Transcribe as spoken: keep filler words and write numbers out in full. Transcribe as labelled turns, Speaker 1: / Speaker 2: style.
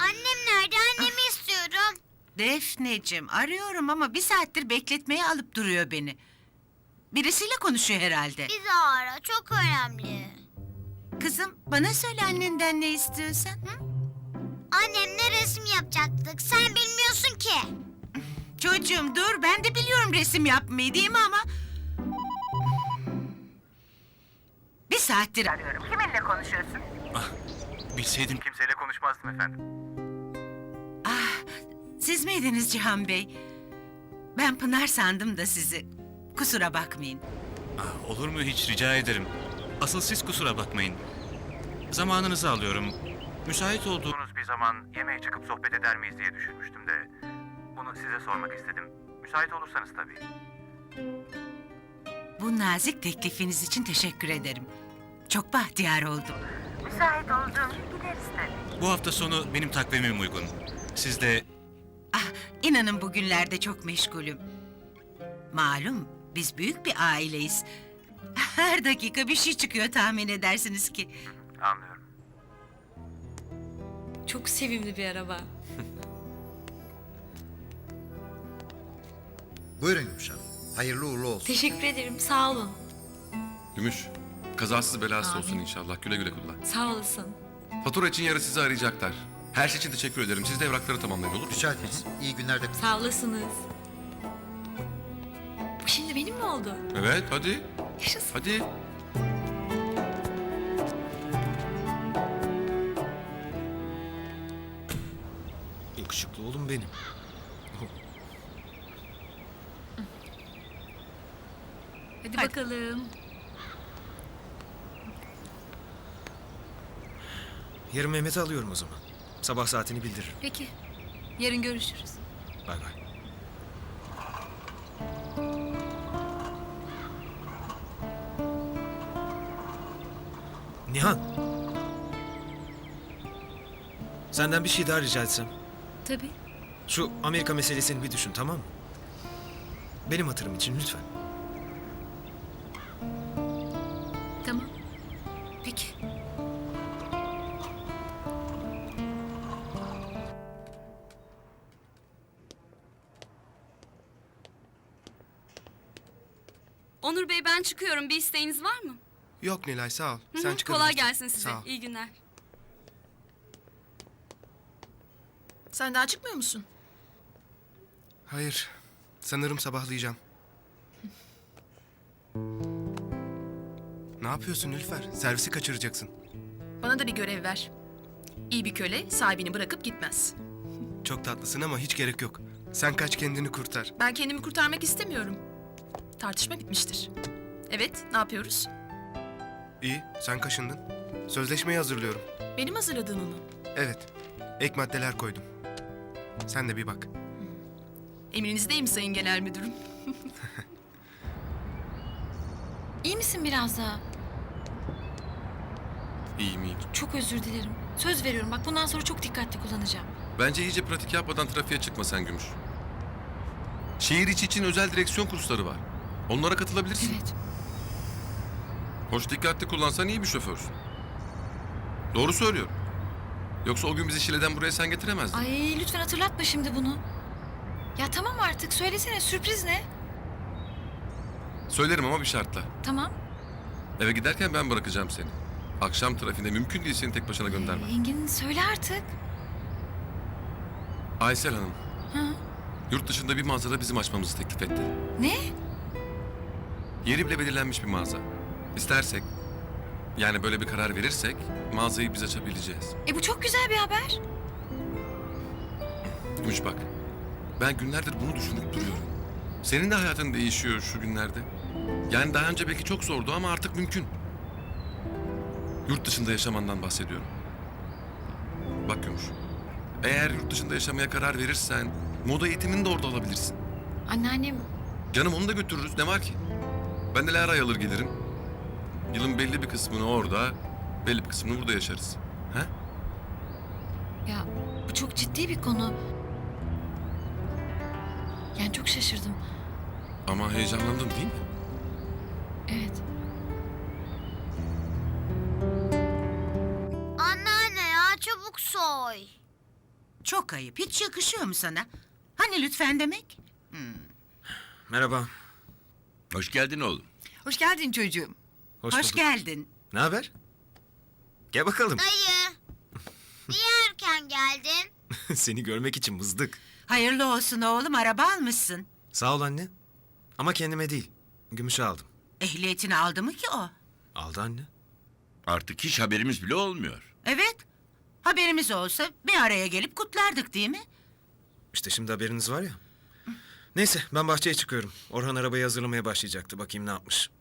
Speaker 1: Annem nerede? Annemi istiyorum.
Speaker 2: Defneciğim arıyorum ama bir saattir bekletmeye alıp duruyor beni. Birisiyle konuşuyor herhalde.
Speaker 1: Bizi ara. Çok önemli.
Speaker 2: Kızım bana söyle annenden ne istiyorsan. Hı?
Speaker 1: Annemle resim yapacaktık. Sen bilmiyorsun ki.
Speaker 2: Çocuğum dur ben de biliyorum resim yapmayı değil mi ama... Bir saattir arıyorum. Kiminle konuşuyorsun?
Speaker 3: Ah, bilseydim kimseyle konuşmazdım efendim.
Speaker 2: Ah, siz miydiniz Cihan Bey? Ben Pınar sandım da sizi. Kusura bakmayın.
Speaker 3: Ah, olur mu hiç, rica ederim. Asıl siz kusura bakmayın. Zamanınızı alıyorum. Müsait olduğunuz bir zaman yemeğe çıkıp sohbet eder miyiz diye düşünmüştüm de... Bunu size sormak istedim. Müsait olursanız tabii.
Speaker 2: Bu nazik teklifiniz için teşekkür ederim. Çok bahtiyar oldum. Müsait olduğum gideriz tabii.
Speaker 3: Bu hafta sonu benim takvimim uygun. Siz de...
Speaker 2: Ah, inanın bugünlerde çok meşgulüm. Malum biz büyük bir aileyiz. Her dakika bir şey çıkıyor tahmin edersiniz ki.
Speaker 3: Anlıyorum.
Speaker 4: Çok sevimli bir araba.
Speaker 5: Buyurun Gümüş Hanım. Hayırlı uğurlu olsun.
Speaker 4: Teşekkür ederim, sağ olun.
Speaker 6: Gümüş, kazasız belasız
Speaker 4: Amin.
Speaker 6: olsun inşallah. Güle güle kullan.
Speaker 4: Sağ olasın.
Speaker 6: Fatura için yarın sizi arayacaklar. Her şey için teşekkür ederim. Siz de evrakları tamamlayın, olur mu?
Speaker 5: Rica ederiz. İyi günler de.
Speaker 4: Sağ olasınız. Bu şimdi benim mi oldu?
Speaker 6: Evet, hadi.
Speaker 4: Yaşasın.
Speaker 6: Hadi.
Speaker 7: Yakışıklı oğlum benim.
Speaker 4: Hadi, bakalım.
Speaker 7: Yarın Mehmet'i alıyorum o zaman. Sabah saatini bildiririm.
Speaker 4: Peki. Yarın görüşürüz.
Speaker 7: Bay bay. Nihan. Senden bir şey daha rica etsem.
Speaker 4: Tabii.
Speaker 7: Şu Amerika meselesini bir düşün, tamam mı? Benim hatırım için lütfen.
Speaker 4: Tamam. Peki.
Speaker 8: Onur Bey ben çıkıyorum. Bir isteğiniz var mı?
Speaker 9: Yok Nilay sağ ol.
Speaker 8: Hı hı,
Speaker 9: Sen çıkabilirsin.
Speaker 8: kolay gelsin size.
Speaker 9: Sağ ol.
Speaker 8: İyi günler.
Speaker 10: Sen daha çıkmıyor musun?
Speaker 9: Hayır. Sanırım sabahlayacağım. Ne yapıyorsun Nilüfer? Servisi kaçıracaksın.
Speaker 10: Bana da bir görev ver. İyi bir köle sahibini bırakıp gitmez.
Speaker 9: Çok tatlısın ama hiç gerek yok. Sen kaç kendini kurtar.
Speaker 10: Ben kendimi kurtarmak istemiyorum. Tartışma bitmiştir. Evet, ne yapıyoruz?
Speaker 9: İyi, sen kaşındın. Sözleşmeyi hazırlıyorum.
Speaker 10: Benim hazırladığımı mı?
Speaker 9: Evet. Ek maddeler koydum. Sen de bir bak.
Speaker 10: Emrinizdeyim Sayın Genel Müdürüm.
Speaker 4: İyi misin biraz daha?
Speaker 6: İyiyim iyiyim.
Speaker 4: Çok özür dilerim. Söz veriyorum bak bundan sonra çok dikkatli kullanacağım.
Speaker 6: Bence iyice pratik yapmadan trafiğe çıkma sen Gümüş. Şehir içi için özel direksiyon kursları var. Onlara katılabilirsin.
Speaker 4: Evet.
Speaker 6: Hoş dikkatli kullansan iyi bir şoförsün. Doğru söylüyorum. Yoksa o gün bizi Şile'den buraya sen getiremezdin.
Speaker 4: Ay lütfen hatırlatma şimdi bunu. Ya tamam artık söylesene sürpriz ne?
Speaker 6: Söylerim ama bir şartla.
Speaker 4: Tamam.
Speaker 6: Eve giderken ben bırakacağım seni. Akşam trafiğinde mümkün değil seni tek başına
Speaker 4: Ee,
Speaker 6: göndermem.
Speaker 4: Engin söyle artık.
Speaker 6: Aysel Hanım,
Speaker 4: Hı?
Speaker 6: yurt dışında bir mağazada bizim açmamızı teklif etti.
Speaker 4: Ne?
Speaker 6: Yeri bile belirlenmiş bir mağaza. İstersek, yani böyle bir karar verirsek mağazayı biz açabileceğiz.
Speaker 4: E bu çok güzel bir haber.
Speaker 6: Gümüş bak, ben günlerdir bunu düşünüp duruyorum. Senin de hayatın değişiyor şu günlerde. Yani daha önce belki çok zordu ama artık mümkün. Yurt dışında yaşamandan bahsediyorum. Bak Gümüş, eğer yurt dışında yaşamaya karar verirsen moda eğitimini de orada alabilirsin.
Speaker 4: Anneannem
Speaker 6: Canım onu da götürürüz, ne var ki? Ben de Lara'yı alır gelirim. Yılın belli bir kısmını orada, belli bir kısmını burada yaşarız. He?
Speaker 4: ya bu çok ciddi bir konu. Yani çok şaşırdım.
Speaker 6: Ama heyecanlandın değil mi?
Speaker 4: Evet.
Speaker 1: Anneanne ya çabuk soy.
Speaker 2: Çok ayıp. Hiç yakışıyor mu sana? Hani lütfen demek?
Speaker 7: Merhaba.
Speaker 11: Hoş geldin oğlum.
Speaker 4: Hoş geldin çocuğum.
Speaker 7: Hoş,
Speaker 2: Hoş
Speaker 7: bulduk.
Speaker 2: geldin.
Speaker 7: Ne haber? Gel bakalım.
Speaker 1: Dayı. Niye erken geldin?
Speaker 7: Seni görmek için mızdık.
Speaker 2: Hayırlı olsun oğlum, araba almışsın.
Speaker 7: Sağ ol anne. Ama kendime değil. Gümüş'e aldım.
Speaker 2: Ehliyetini aldı mı ki o?
Speaker 7: Aldı anne.
Speaker 11: Artık hiç haberimiz bile olmuyor.
Speaker 2: Evet. Haberimiz olsa bir araya gelip kutlardık değil mi?
Speaker 7: İşte şimdi haberiniz var ya. Neyse ben bahçeye çıkıyorum. Orhan arabayı hazırlamaya başlayacaktı. Bakayım ne yapmış.